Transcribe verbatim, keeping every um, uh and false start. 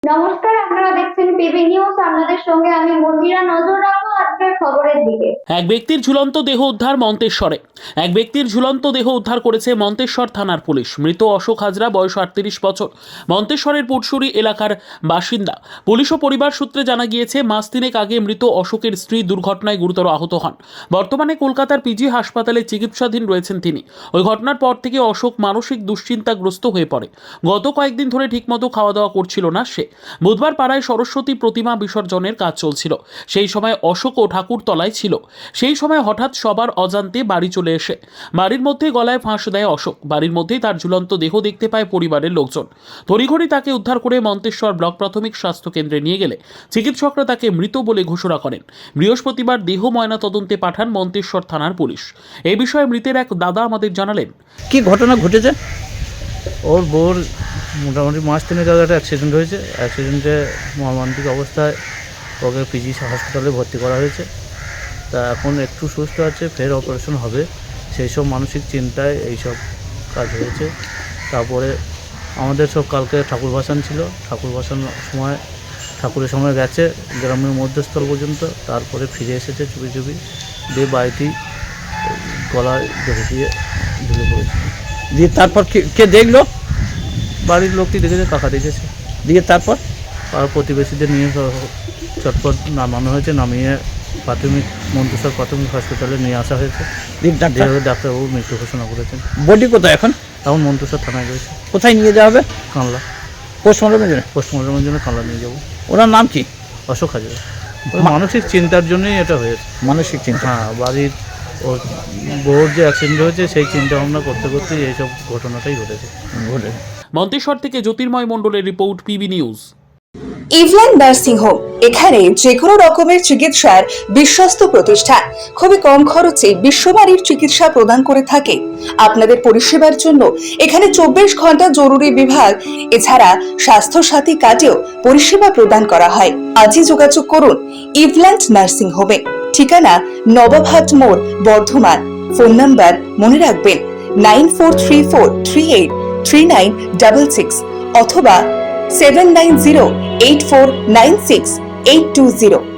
নমস্কার, আপনারা দেখছেন পিবি নিউজ। আপনাদের সঙ্গে আমি মন্দিরা। নজর রাখবো আজকের খবরের দিকে। এক ব্যক্তির ঝুলন্ত দেহ উদ্ধার মন্তেশ্বরে। এক ব্যক্তির ঝুলন্ত দেহ উদ্ধার করেছে মন্তেশ্বর থানার পুলিশ। মৃত অশোক হাজরা, বয়স আটত্রিশ বছর, মন্তেশ্বরের পুটসুরি এলাকার বাসিন্দা। পুলিশ ও পরিবার সূত্রে জানা গিয়েছে, মাস তিনেক আগে মৃত অশোকের স্ত্রী দুর্ঘটনায় গুরুতর আহত হন। বর্তমানে কলকাতার পিজি হাসপাতালে চিকিৎসাধীন রয়েছেন তিনি। ওই ঘটনার পর থেকে অশোক মানসিক দুশ্চিন্তাগ্রস্ত হয়ে পড়ে। গত কয়েকদিন ধরে ঠিকমতো খাওয়া দাওয়া করছিল না সে। বুধবার পাড়ায় সরস্বতী প্রতিমা বিসর্জনের কাজ চলছিল। সেই সময় অশোক ও ঠাকুরতলায় ছিল। সেই সময় হঠাৎ সবার অজান্তে বাড়ি চলে এসে বাড়ির মধ্যে গলায় ফাঁস দেয় অশোক। বাড়ির মধ্যেই তার ঝুলন্ত দেহ দেখতে পায় পরিবারের লোকজন। তড়িঘড়ি তাকে উদ্ধার করে মন্তেশ্বর ব্লক প্রাথমিক স্বাস্থ্য কেন্দ্রে নিয়ে গেলে চিকিৎসকরা তাকে মৃত বলে ঘোষণা করেন। বৃহস্পতিবার দেহ ময়না তদন্তে পাঠান মন্তেশ্বর থানার পুলিশ। এই বিষয়ে মৃতের এক দাদা আমাদের জানালেন। কি ঘটনা ঘটেছে? ওর বোর মোটামুটি মাস তিনেক আগে একটা অ্যাক্সিডেন্ট হয়েছে। অ্যাক্সিডেন্টে মর্মান্তিক অবস্থায় ওকে পিজি হাসপাতালে ভর্তি করা হয়েছে। তা এখন একটু সুস্থ আছে, ফের অপারেশন হবে। সেই সব মানসিক চিন্তায় এইসব কাজ হয়েছে। তারপরে আমাদের সব কালকে ঠাকুর ভাসান ছিল। ঠাকুর ভাসানোর সময় ঠাকুরের সময় গেছে গ্রামের মধ্যস্থল পর্যন্ত, তারপরে ফিরে এসেছে চুপি চুপি, দিয়ে বাড়িটি গলায় ধরে দিয়ে ঝুলে পড়েছে। দিয়ে তারপর কে কে দেখলো? বাড়ির লোকটি দেখেছে, কাকা দেখেছে। দিয়ে তারপর আর প্রতিবেশীদের নিয়ে চটপট নামানো হয়েছে। নামিয়ে প্রাথমিক মন্তেশ্বর প্রাথমিক হাসপাতালে নিয়ে আসা হয়েছে। দিয়ে ডাক্তার যেভাবে ডাক্তারবাবু মৃত্যু ঘোষণা করেছেন। বডি কোথায় এখন? এখন মন্তেশ্বর থানায় রয়েছে। কোথায় নিয়ে যাওয়া হবে? কানলা পোস্টমর্টমের জন্য? পোস্টমর্টমের জন্য কানলা নিয়ে যাবো। ওনার নাম কি? অশোক হাজার। ওই মানসিক চিন্তার জন্যই এটা হয়েছে। মানসিক চিন্তা? হ্যাঁ, বাড়ির ওর বউর যে অ্যাক্সিডেন্ট হয়েছে সেই চিন্তা ভাবনা করতে করতেই এইসব ঘটনাটাই ঘটেছে। ঘটে। মন্তেশ্বর থেকে জ্যোতির্ময় মণ্ডলের রিপোর্ট, পিবি নিউজ। ইভল্যান্ড নার্সিং হোম, এখানে যে কোনো রকমের চিকিৎসার বিশ্বস্ত প্রতিষ্ঠান। খুবই কম খরচে বিশ্বমানের চিকিৎসা প্রদান করে থাকে। আপনাদের পরিষেবার জন্য এখানে চব্বিশ ঘন্টা জরুরি বিভাগ, এছাড়া স্বাস্থ্য সাথী কার্ডেও পরিষেবা প্রদান করা হয়। আজই যোগাযোগ করুন ইভল্যান্ড নার্সিং হোমে। ঠিকানা নবাবহাট মোড়, বর্ধমান। ফোন নাম্বার মনে রাখবেন nine four three four three eight three nine double six অথবা seven nine zero eight four nine six eight two zero.